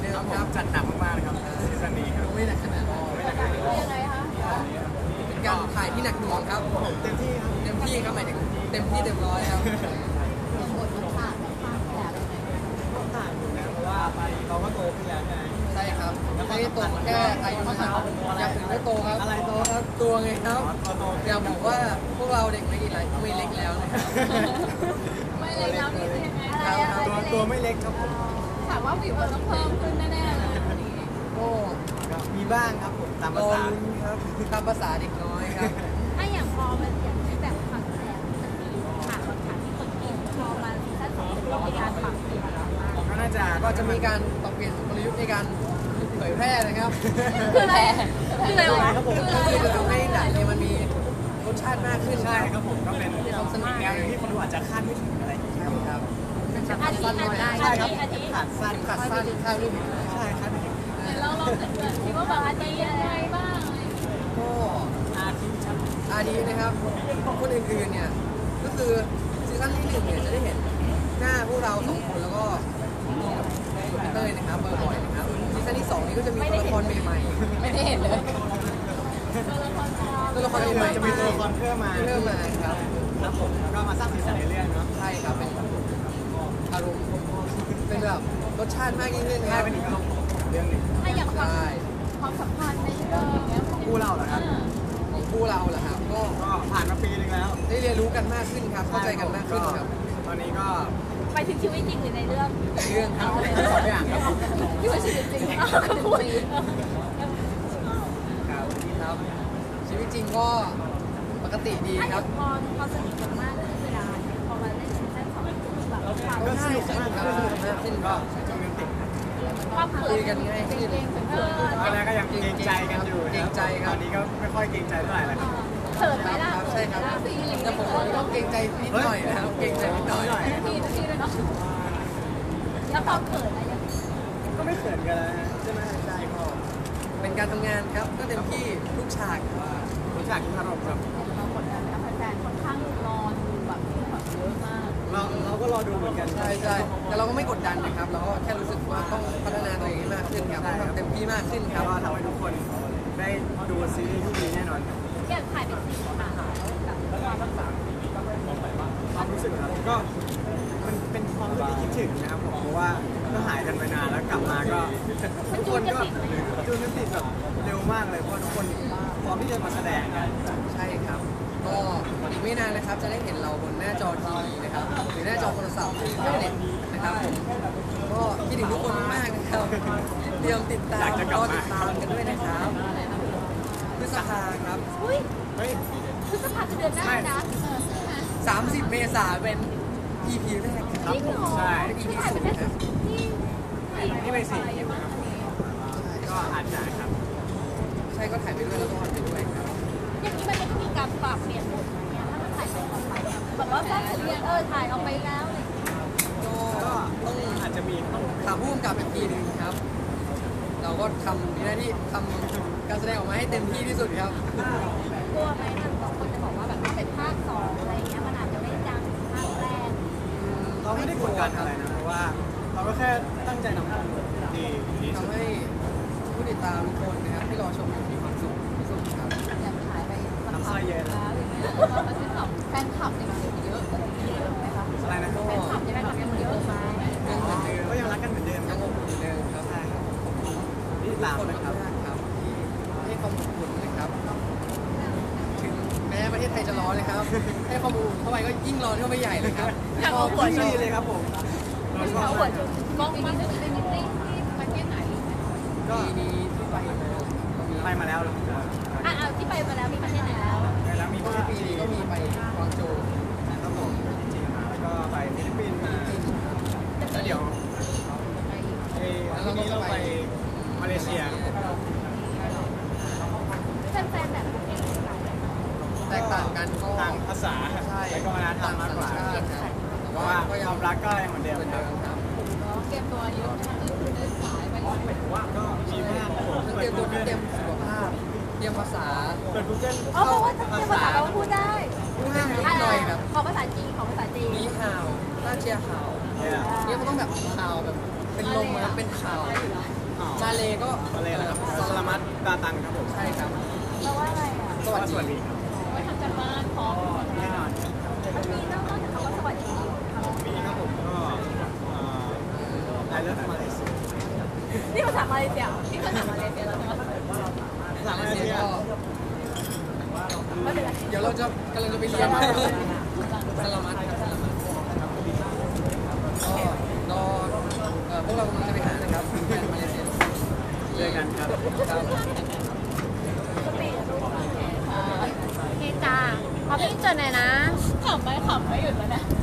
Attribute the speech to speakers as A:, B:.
A: ดิมครับจัดหนักมากๆเลยครับซีซั่นนี้ครับ
B: ไม่หนักขนาดนั้น
C: ยังไงคะ
B: เป็นการถ่ายที่หนักหน่วงครับ
A: เต็มที่ครับ
B: เต็มที่ครับหมายถึงเต็มที่เต็มร้อยครับ
C: บทมันผ่านแบบผ่านแบบยังไง
A: ต้องต่างอยู่นะเพราะว่าเราก็โตขึ้นแล้วไง
B: ใช่ครับไม่ได้โตแค่อายุนะครับอยากถึงได้โตครับ
A: อะไรโตครับ
B: ตัวไงครับ
A: โต
B: อยากบอกว่าพวกเราเด็กไม่กี่ไรไม่เล็กแล้วนะครับ
C: ไม่เลยแล้วนี่เป็นยังไงอะไร
A: ตัวไม่เล็กครับผม
C: ถามว่าวิวต้องเพิ่มขึ้นแน่ๆเลยวันนี้
B: ก็
A: มีบ้างครับผมตามภาษา
B: ครับตามภาษาเด็กน้อยครับ
C: ถ้าอย่างพอมันอย่างที่แบบความแสบมันมีฉากบางฉากที่คนเก่งพอมาซีซั่น2ก็มีการปรับเปลี่ยนอะไรบ้าง
A: ก็น่าจะ
B: ก็จะมีการปรับเปลี่ยนกลยุทธ์ในการเผยแพร่นะครับ
C: คืออะไรคืออะไรวะ
A: ครับผม
B: คือจะทำให้หนังเนี่ยมันมีรสชาติมากขึ้น
A: ใช่ครับผมก็เป็น
B: ความสนุก
A: แนวที่คนดูอาจจะคาดไม่ถึงอะไรอย่างเงี้ยครับ
B: เป็นฉาก
C: อาทิ
B: สั้นหน่อย
A: ใช่ครับ
C: อาทิ
A: ขาดสั้น
B: ขาดสั้นข้าวรูป
A: ใช่ครับ
C: เราลองเกิดคิดว่าแบบอาทิยังไงบ้างอะไร
B: ก็
A: อาทิตย์ครับ
B: อาดีนะครับคนอื่นๆเนี่ยก็คือซีซั่นที่1เนี่ยจะได้เห็นหน้าพวกเรา2คนแล้วก็รวมกับเต้ยนะครับเบอร์บ่อยนะครับซีซั่นที่2นี้ก็จะมีตัวละครใหม่ๆ
C: ไม่ได้เห็นเลย
B: ตัวละครใหม่ๆ
A: จะมีตัวละครเพิ่มมา
B: ครับ
A: ครับผมแล้วก็มาสร้างสีสันในเรื่องเนาะ
B: ใช่ครับเป็นอารมณ์เป็นแบบรสชาติมากยิ่งขึ้นค
A: ใช่
B: รับ
A: เป็นอีกอารมณ์ของเรื่องหนึง
C: ถ้าอย่างความสัมพันธ์ในเรื่องอย่างเงี้ย
A: คู่เราเหรอครับ
B: ของคู่เราแหละครับก็
A: ก็ผ่านมาปีนึงแล้ว
B: ได้เรียนรู้กันมากขึ้นครับเข้าใจกันมากขึ้นครับ
A: ตอนนี้ก็
C: ไปถึงชีวิตจริงหรือในเรื่อง
B: ในเรื่องครับ
A: สองอย่างครับ
C: ที่ว่าชีวิตจริงก็พูด
B: ครับครับชีวิตจริงก็ปกติดี
C: ถ้าอ
B: ครั
C: ย่า
B: บ
C: งพอสนิทกันมากขึ้นเวลาพอมาเล่นซีซั่น2แบบความ
B: ก็สนุกมากครับสนุกมากขึ้นก็
A: ช่วงนี้ติด
C: ความเขินเก่งๆ
A: ตอนแรกก็ยังเกรงใจกันอยู่
B: เกรงใจค
A: ต
B: รั
A: อบ นนี้ก็ไม่ค่อยเกรงใจเท่าไหร่แล้วครับ
C: เขินไหม
B: ครับ
C: ล่ะ
B: ครับใช่ครับแต่ผมก็เกรงใจนิดหน่อยนะครับเกรงใจนิดหน่อย
C: ทีด้วยเนาะแล้วความเขินอะไรยัง
A: ก็ไม่เขินกันแล้วใช่ไหมใช่ก็
B: เป็นการทำงานครับก็เต็มที่ทุกฉาก
A: รู้จักทุกอารมณ์ครับ
C: เรากดดันนะแฟนๆค่อนข้างรอดูแบบเยอะมาก
A: เราก็รอดูเหมือนกัน
B: ใช่ใช่แต่เราก็ไม่กดดันนะครับ เราก็แค่รู้สึกว่าต้องพัฒนาตัวเองให้มากขึ้นครับต้องทำเต็มที่มากขึ้นครับ
A: ก็ทำให้ทุกคนได้ดูซีรีส์ที่ดีแน่นอนครับ
C: อยากถ่ายเป็น4 ค่ะแบบความรักษา
A: ความรู้สึกครับก็มันเป็นความรู้สึกที่คิดถึงนะครับผมเพราะว่าก็หายกันไปนานแล้วกลับมาก็ทุกคนก็จูนกันติดแบบเร็วมากเลยเพราะทุกคนพร้อมที่จะมาแสดงกัน
B: ใช่ครับ ก็อีกไม่นานนะครับจะได้เห็นเราบนหน้าจอทีวีนะครับหรือหน้าจอโทรศัพท์หรือแท็บเล็ตนะครับผมก็คิดถึงทุกคนมากๆนะครับเตรียมติดตามรอติดตามกันด้วยนะครับพฤษภาครับ
C: อุ้ย
A: เฮ้ย
C: พฤษภาคมเดือนหน้านะ
B: 30 เมษายนเป็น EP แรก
A: ครับผมใช่
B: เป็น EP
C: ถ่ายไป
B: สุด
C: แค่
B: ครับ
A: นี่เป็นสิ่งที่ก็อาจจะครับ
B: ใช่ก็ถ่ายไปด้วยแล้วก็ออนไปด้วยครับ
C: อย่างนี้มันจะมีการปรับเปลี่ยนบทไหมถ้ามันถ่ายไปออกไปแบบว่าถ้าเรียนถ่ายออกไปแล้วอะไรอย่างเงี้ย
B: ก็
A: ก็
B: ต้อง
A: อาจจะมีต้อง
B: ถามผู้กำกับอีกทีหนึ่งครับ เราก็ทำหน้าที่ทำการแสดงออกมาให้เต็มที่ที่สุดครับ
C: กลัวไหมทางบางคนจะบอกว่าแบบถ้าเป็นภาค2อะไรอย่างเงี้ยมันอาจจะไม่ดังภาคแรก
A: เราไม่ได้กดดันอะไรนะเพราะว่าเราก็แค่ตั้งใจทำให้ดีที่สุด
B: ทำให้ผู้ติดตามทุกคนนะครับที่รอชมอยู่มีความสุขที่สุดครับ
C: อยากถ่ายไปสักพักแล้วอย่างเงี้ยเรามาที่สองแฟนคลับเนี่ยมันเยอะไหมคะ
A: อะไรนะ
C: แฟนคลับเนี่ยแฟนคลับยังเยอะไหม
B: ยังเหมือนเดิม
A: ก็ยังรักกันเหมือนเดิม
B: ยังอบอุ่นเหมือนเดิมครับ
A: ใช่ครับนี่ตาม
B: คน
A: นะค
B: มา
A: รับ
B: กครับที่ให้ความอบอุ่นนะครับ ถึงแม้ประเทศไทยจะร้อนนะครับ ให้ความอบอุ่นเข้าไปก็ยิ่งร้อนเข้าไปใหญ่เลยครับ
C: อยากเอาหัว
A: ที่
C: ช
A: ดี
C: ม
A: เลยครับผมเราชอบ
C: เอาหั
A: มาว ก
C: ชมมองปีนี้จะเป็นมิตติ้งที่ประเทศไหน
A: ก็
B: ปีนี้ที่ไปมาก็มี
A: ไปมาแล้ว
C: ที่ไปมาแล้วมีประเทศไหนแล้ว
A: แล้วมี
B: ก็ปีนี้ก็มีไปกวางโจว
A: ครับผมจริงๆมาแล้วก็ไปฟิลิปปินส์มาแล้วเดี๋ยวทีนี้เราไปมาเลเซีย
C: แฟนๆแบบประเทศไหน
B: แตกต่างกันก็
A: ทางภาษา
B: ใช่
A: และก็วัฒนธรรมมากกว่า
B: ต่งสัญชาติครับแต่
A: เพราะ
B: ว่า
A: ว่า
B: ก็
A: ค
B: ยัง
A: วามรักก็ยังเหมือนเดิม
B: เหมือน
A: ครั
B: เดิ
A: บ
B: มครับ
C: เตรียมตัวเยอะเดินสายไป
A: ก็มีมากครับผม
B: ทั้งเตรียมตัวทั้งเตรียมสุขภาพเตรียมภาษา
A: เปิด Google
C: อ๋อเพราะว่าเตรียมภาษาเราพูดได้
B: พูดได้นิดหน่อยแบบ
C: ของภาษาจีนของภาษาจีน
B: นีฮาวต้าเจียฮาว
A: เนี่ย
B: เนี่ยมันต้องแบบฮาวแบบเป็นลมครับเป็นฮาวมาเลก็
A: อะไรนะครับสลามัดดาตังครับผม
B: ใช่ครับ
C: แปลว่าอะไรอ่ะ
B: สวัส
A: สวัส
B: ดี
A: ดีครับ
C: ไว้ทำกันบ้านพร้อม
A: แน่นอน
C: มันมีนอกจากคำว่าสวัสดีค่ะ
A: มีครับผมก็I love Malaysia
C: นี่ภาษามาเลเซียนี่ภาษามาเลเซียแล้วใช่ไหม
A: ภาษา
B: มา
A: มา
B: เล
A: เล
B: เซี
A: เซี
B: ย
A: ย
B: ก็
C: ไม่เป็นไร
B: เดี๋ยวเราจะกำลังจะไปเรียนมาสลามัดครับสลามัดก็รอพวกเรากำลังจะไปหานะครับแฟนมาเลเซีย
A: เจอกันครับ
B: ครับ
C: สปีดโอเคจ้าพอพี่เจอหน่อยนะขำไม่หยุดแล้วนะ